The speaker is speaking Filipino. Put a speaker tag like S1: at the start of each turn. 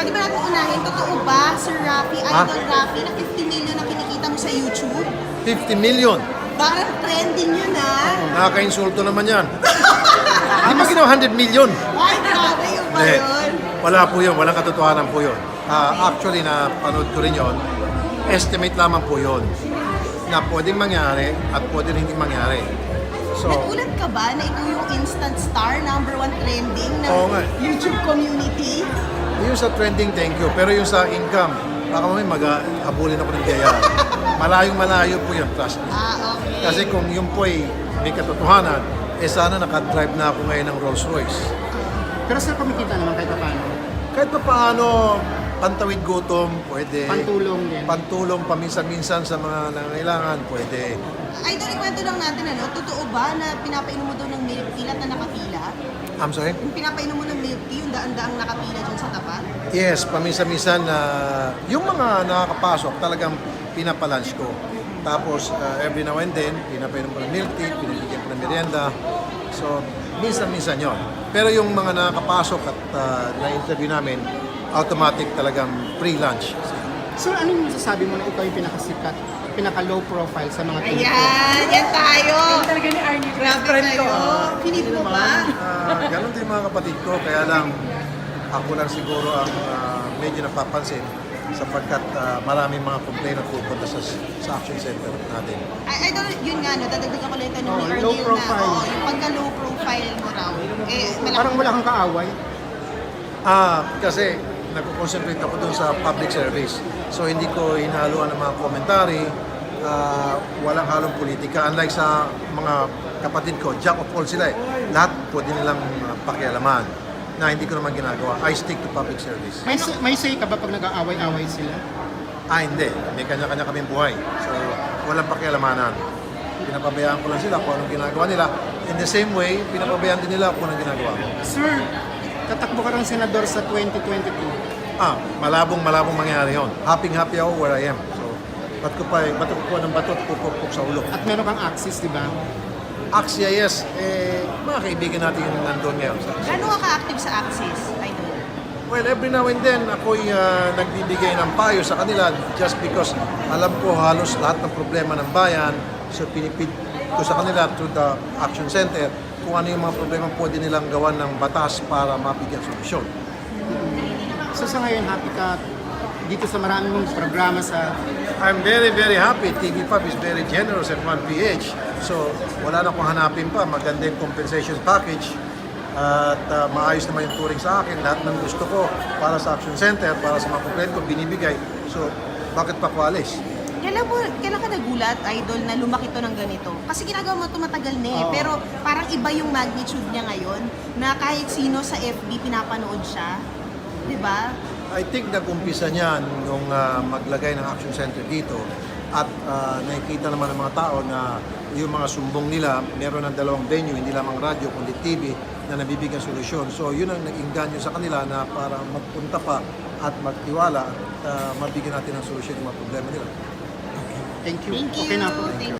S1: Pwede ba natin unahin, totoo ba, Sir Raffy, Idol Raffy, na 50 million na kinikita mo sa YouTube?
S2: 50 million.
S1: Parang trending yun, ha?
S2: Nakaka-insulto naman yan. Di ba ginawa 100 million?
S1: Ay, grabe yun ba
S2: Hindi.
S1: yun?
S2: Wala po yun. Walang katotohanan po yun. Actually, napanood ko rin yun. Estimate lamang po yun na pwedeng mangyari at pwedeng hindi mangyari. So,
S1: Nagulat ka ba na ito yung instant star, #1 trending ng
S2: Oo nga.
S1: YouTube community?
S2: yung sa trending, thank you. Pero yung sa income, baka mamaya mag-habulin ako ng biyaya. Malayong-malayo po yun, trust me.
S1: Okay.
S2: Kasi kung yun po ay may katotohanan, sana nakadrive na ako ngayon ng Rolls Royce.
S3: Pero sir, kumikita naman kahit paano.
S2: Kahit pa paano, pantawid gutom, pwede.
S3: Pantulong din.
S2: Pantulong paminsan-minsan sa mga nangangailangan, pwede.
S1: Idol, ikwento lang natin, totoo ba na pinapainom mo daw ng milk tea lahat na nakapila?
S2: I'm sorry?
S1: Yung pinapainom mo ng milk tea, yung daan-daang nakapila dyan sa tapat?
S2: Yes, paminsan-minsan na yung mga nakakapasok talagang pinapalunch ko. Tapos every now and then, pinapainom ko ng milk tea, pinibigyan ko ng merienda. So, minsan-minsan yon. Pero yung mga nakakapasok at na-interview namin, automatic talagang free lunch.
S3: Sir, ano yung masasabi mo na ikaw yung pinakasikat, pinaka-low profile sa mga TV?
S1: Ayan, yan tayo!
S4: Talaga ni Arnie.
S1: Grabe kayo! Pinip mo ba?
S2: Ganon din mga kapatid ko, kaya lang ako lang siguro ang medyo napapansin sapagkat maraming mga complaint na pupunta sa action center natin.
S1: Idol, yun nga, dadagdagan ko lang yung tanong ni
S3: low
S1: Arnel
S3: profile.
S1: na, yung pagka-low profile mo raw, malaki.
S3: Parang wala kang kaaway.
S2: Kasi nagko-concentrate ako dun sa public service. So hindi ko hinahaluan ng mga komentary, walang halong politika. Unlike sa mga kapatid ko, jack of all sila eh. Lahat pwede nilang pakialaman na hindi ko naman ginagawa. I stick to public service.
S3: May say ka ba pag nag-aaway-away sila?
S2: Hindi. May kanya-kanya kaming buhay. So walang pakialamanan. Pinapabayaan ko lang sila kung anong ginagawa nila. In the same way, pinapabayaan din nila kung anong ginagawa ko.
S3: Sir, tatakbo ka ng senador sa 2022.
S2: Malabong mangyari yun. Happy ako where I am. So, ba't ko po ng batot, pupupok sa ulo.
S3: At meron kang access, di ba?
S2: Axia, yes. Mga kaibigan natin yung nandun ngayon.
S1: Gano'n ka ka-active sa Axis, Idol?
S2: Well, every now and then, ako'y nagbibigay ng payo sa kanila just because alam ko halos lahat ng problema ng bayan. So, pinipid ko sa kanila through the Action Center kung ano yung mga problema pwede nilang gawan ng batas para mabigyan solusyon.
S3: So sa ngayon, happy ka dito sa maraming mong programa sa...
S2: I'm very, very happy. TV5 is very generous at 1PH. So, wala na akong hanapin pa. Maganda yung compensation package. At maayos naman yung touring sa akin. Lahat ng gusto ko para sa Action Center, para sa mga complaint ko, binibigay. So, bakit pa ko alis?
S1: Kailan ka nagulat, Idol, na lumaki to ng ganito? Kasi ginagawa mo ito matagal na eh. Pero parang iba yung magnitude niya ngayon na kahit sino sa FB pinapanood siya. Di ba?
S2: I think nag-umpisa niyan nung maglagay ng Action Center dito at nakikita naman ng mga tao na yung mga sumbong nila, meron ng dalawang venue, hindi lamang radyo kundi TV na nabibigyan solusyon. So yun ang nag-inganyo sa kanila na para magpunta pa at magtiwala at mabigyan natin ng solusyon yung mga problema nila.
S3: Thank you.
S1: Thank you.
S3: Okay na po.
S1: Thank